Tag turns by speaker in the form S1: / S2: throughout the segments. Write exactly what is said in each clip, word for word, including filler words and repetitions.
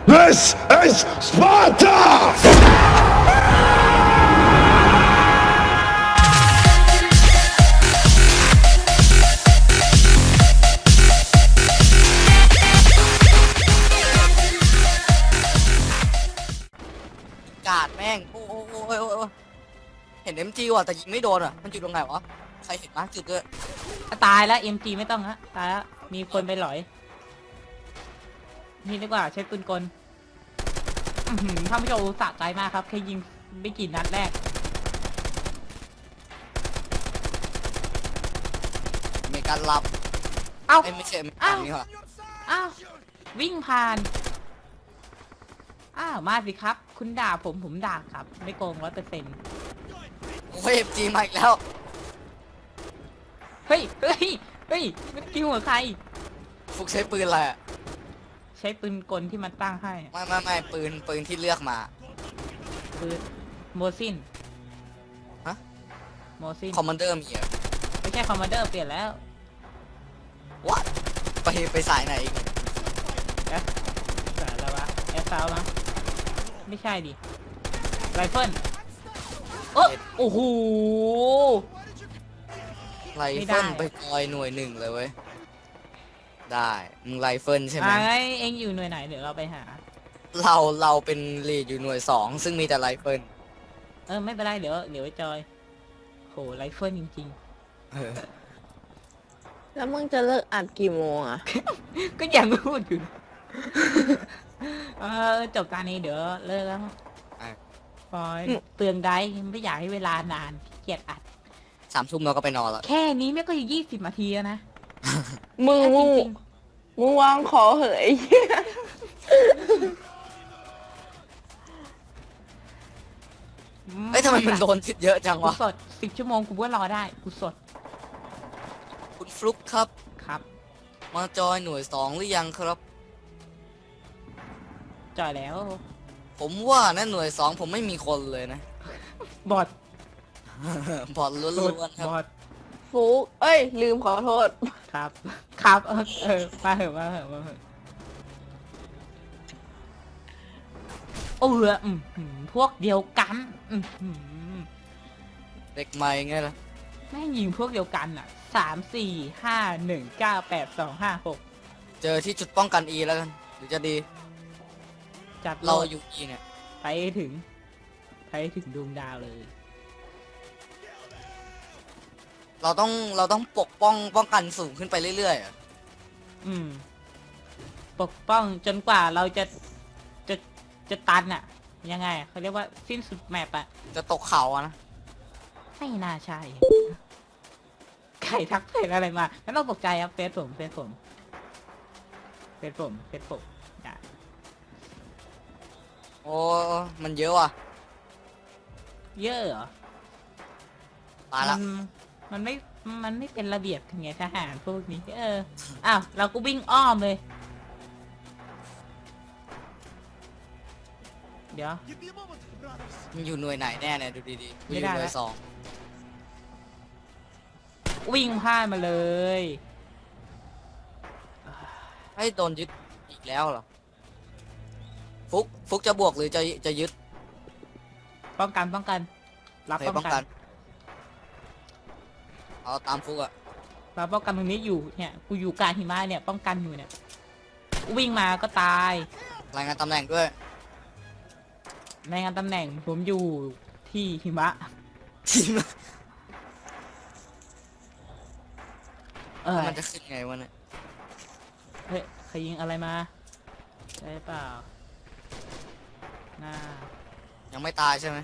S1: This is Sparta!
S2: กาดแม่งโอ้โอ้โอ้โอ้โอ้เห็นเอ็มจีว่ะแต่ยิงไม่โดนอ่ะมันอยู่ตรงไหนวะใครเห็นมากจุดด้วย
S3: ตายแล้ว เอ็ม จี ไม่ต้องฮะตายแล้วมีคนไปหลอยนี่ดีกว่าใช้ปืนกลอื้อหือท่านผู้ชมสะใจมากครับแค่ยิงไม่กี่นัดแรก
S2: มีการรับ
S3: เอ้า
S2: ไอ้ไม่ใช่ไม่
S3: อ้าว
S2: นี่หรอ
S3: อ้าววิ่งผ่านอ้าวมาสิครับ คุณด่าผมผมด่าครับไม่โกงร้อยเปอร์เซ็นต์
S2: โอ้ยเอ็มจีมาอีกแล้ว
S3: เฮ้ยเฮ้ยเฮ้ยมันกิ้วหัวใคร
S2: ฟุกใช้ปืนอะไรอ่ะ
S3: ใช้ปืนกลที่มันตั้งให้
S2: ไม่ไม่ไม่ปืนปืนที่เลือกมา
S3: ปืนโมซิน
S2: ฮะ
S3: โมซิน
S2: คอมมานเดอร์มีเหรอ
S3: ไม่ใช่คอมมานเดอร์เปลี่ยนแล้ว
S2: วัดไปไปสายไหนอีก
S3: เอ๊ะสายแล้ววะแอสซาวมั้งไม่ใช่ดิไรเฟิลเออโอ้โห
S2: ไร
S3: ไม่ได้
S2: เฟิลไปจอยหน่วยหนึ่งเลยเว้ยได้มึงไรเฟิลใช่ไหม
S3: ไอ้เอ็งอยู่หน่วยไหนเดี๋ยวเราไปหา
S2: เราเราเป็นลีดอยู่หน่วยสองซึ่งมีแต่ไรเฟิล
S3: เออไม่เป็นไรเดี๋ยวเดี๋ยวไปจอยโหไรเฟิลจริง
S2: เออ
S4: แล้วมึงจะเลิกอัดกี่โมงอ่ะ
S3: ๆ ก็ยังพูดอยู่ เออจบการนี้เดี๋ยวเลิกแล้วปอย
S4: อืม
S3: เปลืองได้ไม่อยากให้เวลานานขี้เกียจอัด
S2: สามทุ่มเราก็ไปนอนแล้ว
S3: แค่นี้ไม่ก็ยี่สิบนาทีแล้วนะ
S4: มึง
S3: จ
S4: มึง
S3: ริง
S4: มึงวางขอเหยไอ้เหี้ย
S3: ๆ
S2: เอ้ยทำไมมันโดนเยอะจัง
S3: กู
S2: วะ
S3: สดสิบชั่วโมงกูก็รอได้กูสด
S2: คุณฟลุกครับ
S3: ครับ
S2: มาจอยหน่วยสองหรือยังครับ
S3: จอยแล้ว
S2: ผมว่านะหน่วยสองผมไม่มีคนเลยนะ
S3: บอด
S2: บอดล้วนๆครับ
S3: บอด
S4: ฟุกเอ้ย ลืมขอโทษ
S3: ครับ ครับเออเออมาเหอะมาเหอะมาเหอะเอออืมหืมพวกเดียวกันอืมหืม
S2: เด็กใหม่ไงล่ะ
S3: แม่งยิงพวกเดียวกันอ่ะสามสี่ห้าหนึ่งเก้าแปดสองห้าหก
S2: เจอที่จุดป้องกัน E แล้วกันหรือจะดี
S3: จัด
S2: เรา
S3: โลด
S2: อยู่ E เนี่ย
S3: ไปให้ถึงไปให้ถึงดวงดาวเลย
S2: เราต้องเราต้องปกป้องป้องกันสูงขึ้นไปเรื่อยๆอะ
S3: อืม ปกป้องจนกว่าเราจะจะจะตันอ่ะ ยังไงเขาเรียกว่าสิ้นสุดแมปอ่ะ
S2: จะตกเขาอะนะ
S3: ไม่น่าใช่ใครทักเพจอะไรมาไม่ต้องตกใจครับเฟซผมเฟซผมเฟซผมเฟซผมอย่า
S2: โอ้มันเยอะว่ะ
S3: เยอะเหรอ
S2: ตายละ
S3: มันมันไม่มันไม่เป็นระเบียบไงทหารพวกนี้เอออ้าวเราก็วิ่งอ้อมเลย เดี๋ยว
S2: มันอยู่หน่วยไหนแน่เนี่ยดูดีๆกูอ
S3: ไม่
S2: ยู่
S3: ได้
S2: หน่ว
S3: ละ
S2: ยสอง
S3: วิ่งพลาดมาเลย
S2: ให้โดนยึดอีกแล้วเหรอฟุกฟุกจะบวกหรือจะจะยึด
S3: ป้องกันป้องกัน รับ
S2: เคย
S3: ป้
S2: ป้
S3: อ
S2: อง ง
S3: กั
S2: กัน นเอาตามฟุกอะ
S3: รับป้องกันตรงนี้อยู่เนี่ยกูอยู่กลางหิมะเนี่ยป้องกันอยู่เนี่ยวิ่งมาก็ตาย
S2: รายงานตำแหน่งด้วย
S3: ในงานตำแหน่งผมอยู่ที่หิมะ
S2: ทีม
S3: เออ
S2: มันจะขึ้นไงวะเนี่ย
S3: เฮ้ยใครยิงอะไรมาได้เปล่าหน้า
S2: ยังไม่ตายใช่ไหม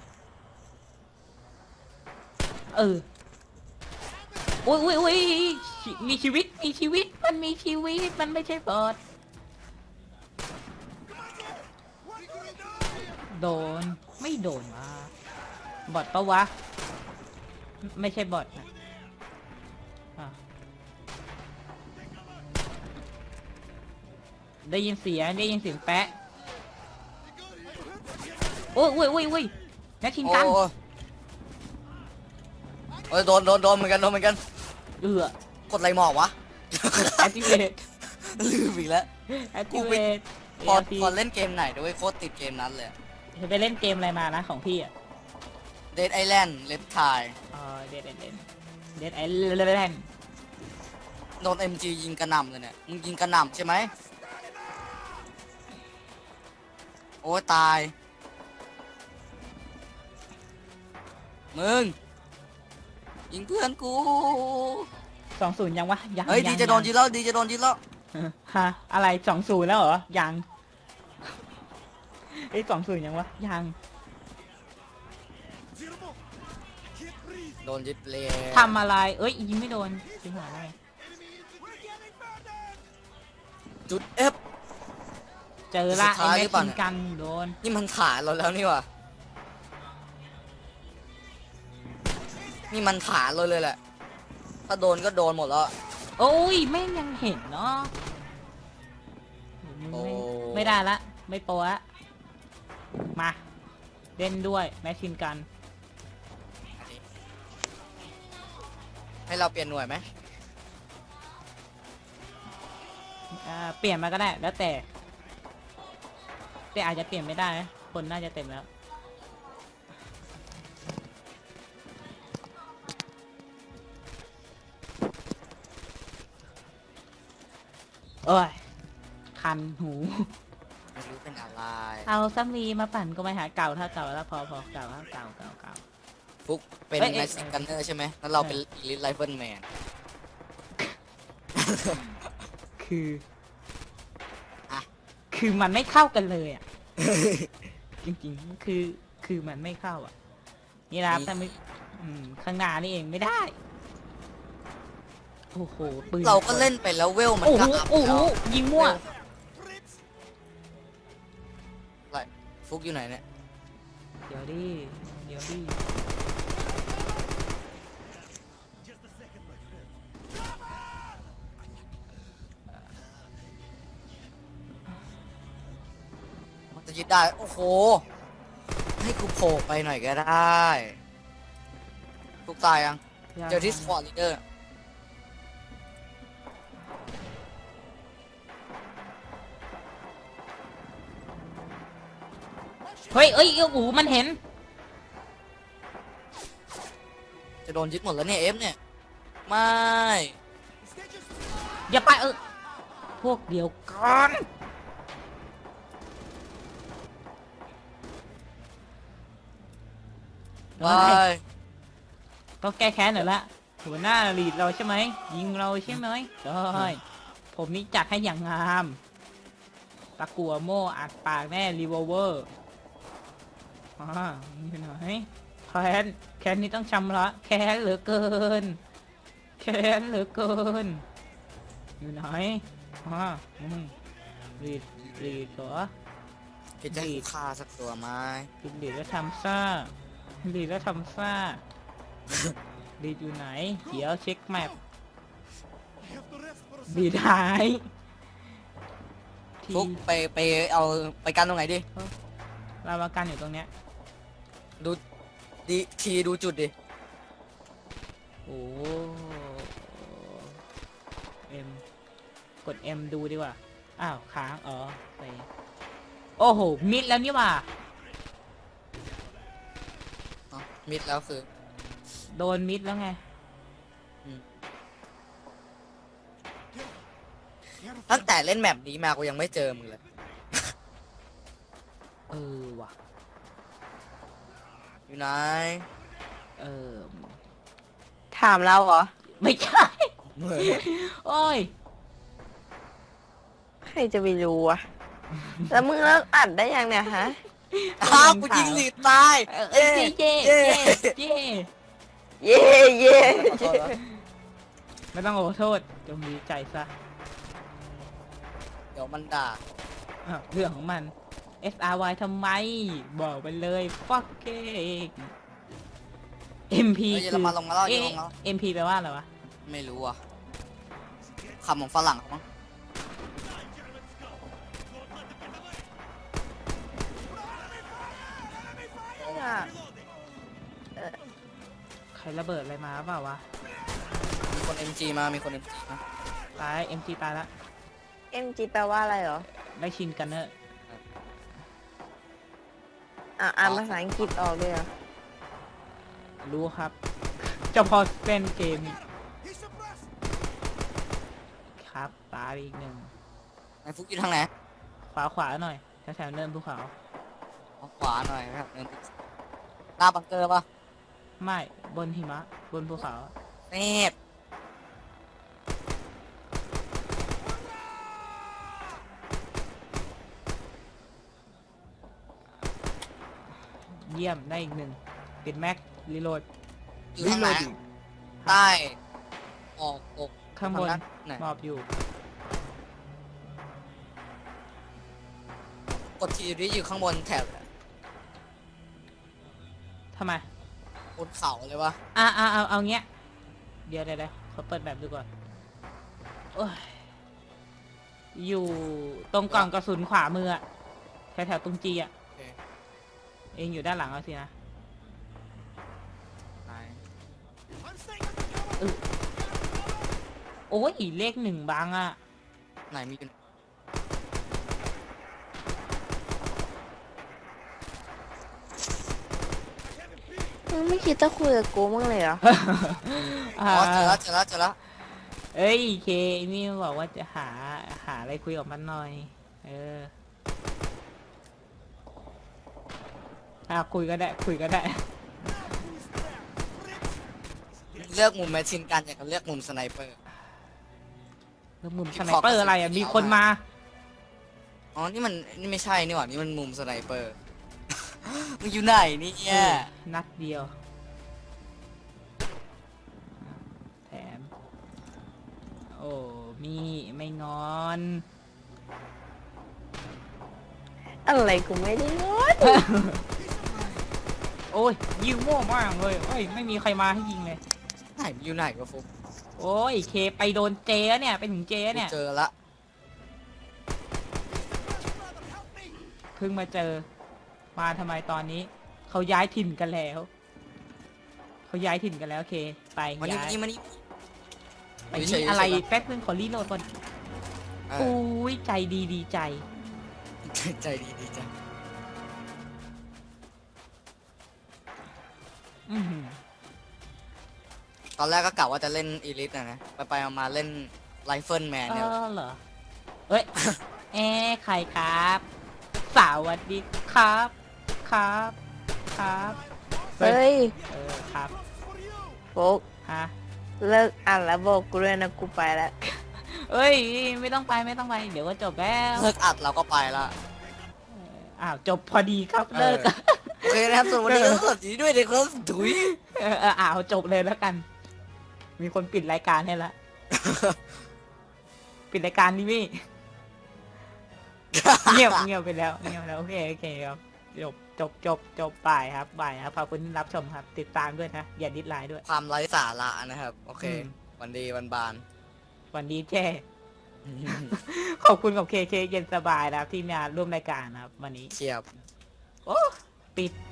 S3: เอออุ้ยอุ้ยอุ้ยชีมีชีวิตมีชีวิตมันมีชีวิตมันไม่ใช่บอทโดนไม่โดนวะบอทปะวะ ไม่ใช่บอทนะอ่ะได้ยินเสียงได้ยินเสียงแปะโอ้ยโอ้ยโอ้ยโอ้ยนักชิง
S2: โอ้
S3: กัน
S2: โอ้ยโดนโดนโดนเหมือนกันโดนเหมือนกัน
S3: เอือก
S2: ดอะไรหมอกวะ
S3: activate
S2: ลืมอีกแล้ว
S3: activate
S2: พอ
S3: เอ
S2: พอเล่นเกมไหนด้วยโคตรติดเกมนั้นเลย
S3: ไปเล่นเกมอะไรมานะของพี่อ่ะ
S2: Dead Island เลฟทาย
S3: อ๋อเดดเดดเดดเดดไอแลนด์
S2: โดน เอ็ม จี ยิงกระหน่ำเลยเนี่ยมึงยิงกระหน่ำใช่ไหมโอ้ยตายมึงยิงเพื่อนกู
S3: สองศูนย์ยังวะยัง
S2: เฮ้ย
S3: ง
S2: ดีจะโดนยิงแล้วดีจะโดนยิงแล้ว
S3: ฮะอะไรสองศูนย์แล้วเหรอยังไอ้สองศูนย์ยังวะยัง
S2: โดนยึดเลย
S3: ทำอะไรเอ้ยยิงไม่โดนจิงหวะได้
S2: จุด F
S3: เจอละ
S2: สุดท้าย
S3: ไอ้
S2: หรื
S3: แม็
S2: อก เปล่า
S3: ซิ
S2: เนี่
S3: น
S2: ย
S3: กันโดน
S2: นี่มันขาเราแล้วนี่ว่ะนี่มันขาเราเลยแหละถ้าโดนก็โดนหมดแล้ว
S3: โอ้ยแม่งยังเห็นเนาะมึง
S2: โอ้
S3: ไม่ไม่ได้ละไม่โปรละมาเล่นด้วยแม็กซินกัน
S2: ให้เราเปลี่ยนหน่วยไหม
S3: อ่าเปลี่ยนมาก็ได้แล้วแต่แต่อาจจะเปลี่ยนไม่ได้นะคนน่าจะเต็มแล้วโอ้ยคันหู
S2: ไม่รู้เป็นอะไร
S3: เอาซัมรีมาปั่นก็ไม่หาเก่าถ้าเก่าแล้วพอพอเก่าถ้าเก่าเก่าเก่า
S2: ฟุกเป็น
S3: เอ้ย
S2: แม
S3: เอ้ย
S2: สซิกันเนอร์ใช่ไหมแล้วเราเป็นอีลิทไรเฟิลแมน
S3: คือ
S2: อะ
S3: คือมันไม่เข้ากันเลยอ่ะ จริงๆ คือ คือมันไม่เข้าอ่ะ นี่นะครับถ้าไม่อืมข้างหน้านี่เองไม่ได้ โอ้โห ปืน
S2: เราก็เล่นไปแล้วเวลมัน
S3: โอ้โห
S2: ก็อัพ
S3: โอ้โห
S2: แล้ว
S3: ยิงมั่ว
S2: อะไรฟุกอยู่ไหนเนี่ย
S3: เดี๋ยวดิ เดี๋ยวดิ
S2: มันจะยึดได้ โอ้โห ให้กูโผล่ไปหน่อยก็ได้ฟุกตายยัง เจอที่สปอร์ตลีดเดอร์
S3: เฮ้ยเอ้ยโอ้โหมันเห็น
S2: จะโดนยึดหมดแล้วเนี่ยเอฟเนี่ย ไม่
S3: อย่าไปเออ พวกเดียวกัน
S2: ไป
S3: ต้องแก้แค้นหน่อยละหัวหน้าลีดเราใช่ไหม ยิงเราใช่ไหมได้ผมนี่จัดให้อย่างงามตะกัวโม่อัดปากแน่รีโวเวอร์อ่าอยู่ไหนแค้นแค้นนี่ต้องชำระแค้นเหลือเกิน แค้นเหลือเกิน อยู่ไหนอ่าอืมลีดลีดเหรอ
S2: คิดจะให้กูฆ่าสักตัวไหม
S3: ลีดลีดแล้วทำซ่าลีดแล้วทำซ่า ลีดอยู่ไหน เดี๋ยวเช็คแมปลีดหายที
S2: ฟุกไปไปเอาไปกันตรงไหนดิ
S3: เรามากันอยู่ตรงเนี้ย
S2: ดูดีทีดูจุดดิ
S3: โอ้เอ็มกด M ดูดีกว่า อ้าว ค้าง อ๋อไปโอ้โห มิดแล้วนี่หว่า
S2: อ๋อมิดแล้วคือ
S3: โดนมิดแล้วไง
S2: ตั้งแต่เล่นแมปนี้มากูยังไม่เจอมึงเลย
S3: เออว่ะ
S2: อยู่ไหน
S3: เออ
S4: ถามเราเหรอ
S3: ไม่ใช่ โอ้ย
S4: ใครจะไปรู้อะแล้วมึงเลิกอัดได้ยังเนี่ยฮะ
S2: อ้าวกูยิงหลีดตาย
S3: เออเย้เย้เย้เย้
S4: เย่เย่
S2: ขอโทษนะ
S3: ไม่ต้องขอโทษ จงดีใจซะ
S2: เดี๋ยวมันด่า
S3: อ้าวเรื่องของมัน S R Y ทำไม บอกไปเลย fuck it M P
S2: เฮ้ยเยอ
S3: คื
S2: ร
S3: อ
S2: มันลงมาแล้วเยอร
S3: เอ๊ะ
S2: มันลงมาแล้ว
S3: M P แปลว่าอะไรวะ
S2: ไม่รู้อ่ะคำของฝรั่งเขามั้ง
S4: เนี่ย
S3: ใครระเบิดอะไรมาเปล่าวะ
S2: มีคน เอ็ม จี มา มีคน เอ็ม จี มา
S3: ตาย M G ตายละ
S4: เอ็มจีแปลว่าอะไรเหรอ
S3: ได้ชินกันเนอะ
S4: อ่ะอ่านภาษาอังกฤษออกเลยเหรอ
S3: รู้ครับเจะพอเล่นเกมอีกครับตายอีกหนึ่ง
S2: ไอ้ฟุกอยู่ทางไหน
S3: ขวาขวาหน่อยแถวๆเนินภูเขา
S2: เอาขวาหน่อยนะครับเดินหน้าบังเกอร์ปะ
S3: ไม่บนหิมะบนภูเขา
S2: เนบ
S3: เยี่ยมได้อีกหนึ่งติดแม็กรีโหลด
S2: อยู่ทางไหนใต้ออกตก
S3: ข้างบน
S2: ไหน
S3: หมอบอยู่
S2: กดทีดีอยู่ข้างบนแถบ
S3: ทำไม
S2: บนเขาเลยวะ
S3: อ่ะอ่ะเอาเอาเงี้ยเดี๋ยวเดี๋ยวเดี๋ยวขอเปิดแบบดูก่อนโอ้ยอยู่ตรงกล่องกระสุนขวามืออะแถวแถวๆตรงจีอะ
S2: โอเค
S3: เองอยู่ด้านหลังเอาสินะ
S2: ไหน
S3: โอ้ยเลขหนึ่งบางอะ
S2: ไหนมีอยู่
S4: มึงไม่คิดจะคุยกับกูมั้างเลยเหรอ
S3: อ่า
S2: อ๋อเจอแล้วเจอแล้วเจอแล้ว
S3: เอ้ยเคนี่บอกว่าจะหาหาอะไรคุยกับมันหน่อย เอออ่ะคุยก็ได้คุยก็ได้
S2: เลือกมุมแมชชินกันอย่างกับเลือกมุมสไนเปอร์
S3: แล้วมุมสไนเปอร์อะไรอ่ะมีคนมา
S2: อ๋อนี่มันนี่ไม่ใช่นี่หว่านี่มันมุมสไนเปอร์ มึงอยู่ไหนเนี่ย
S3: นัดเดียวแถมโอ้มีไม่งอน
S4: อะไรกูไม่ได้งอน
S3: โอ้ยยิงมั่วมากเลยเอ้ยไม่มีใครมาให้ยิงเลย
S2: ไหนอยู่ไหนวะฟุก
S3: โอ้ยเคไปโดนเจแล้วเนี่ยไปถึงเจแล้วเนี่ย
S2: เจอละ
S3: เพิ่งมาเจอมาทำไมตอนนี้เขาย้ายถิ่นกันแล้วเขาย้ายถิ่นกันแล้วเคไป
S2: มันนี่
S3: ย้าย
S2: มันนี่
S3: ไปนี่อะไรแป๊บนึงขอรีโหลดก่อน
S2: เออ
S3: อุ้ยใจดีดีใจ
S2: ใจดีดีจัง
S3: อือหือ
S2: ตอนแรกก็กะว่าจะเล่นอีลิทนะนะไปไปๆมาๆเล่นไรเฟิลแมน
S3: เอ
S2: เนี่ย
S3: อเหรอเอ้ย เอ๊ะใครครับสวัสดีครับครับครับเฮ้ย
S4: เฮ้ย
S3: เออครับ
S4: โฟก
S3: ฮะ
S4: เลิกอ่านแล้วบอกกูด้วยนะกูไปแล้ว
S3: เอ้ยไม่ต้องไปไม่ต้องไปเดี๋ยวก็จบแล้ว
S2: เลิกอัดเราก็ไปละ
S3: เอออ้าวจบพอดีครับ
S2: เออ
S3: เลิก
S2: โอเคนะครับส่วนวันนี้ก็สวัสดีด้วยนะครับถุย
S3: เออเอออ้าวจบเลยแล้วกัน มีคนปิดรายการให้ละปิดรายการนี่พี่ เงียบเงียบไปแล้วเงียบแล้วโอเคโอเคครับจบจบจบจบบ่ายครับบ่ายครับขอบคุณที่รับชมครับ ติดตามด้วยนะอย่าดิสไลน์ด้วย
S2: ความไร้สาระนะครับ โอเค
S3: อืม
S2: วันดีวันบาน
S3: วันดีเจ้ ขอบคุณกับเคเคเย็นสบายนะครับที่มาร่วมรายการนะครับ วันนี้
S2: เชียบ
S3: โอ้ปิด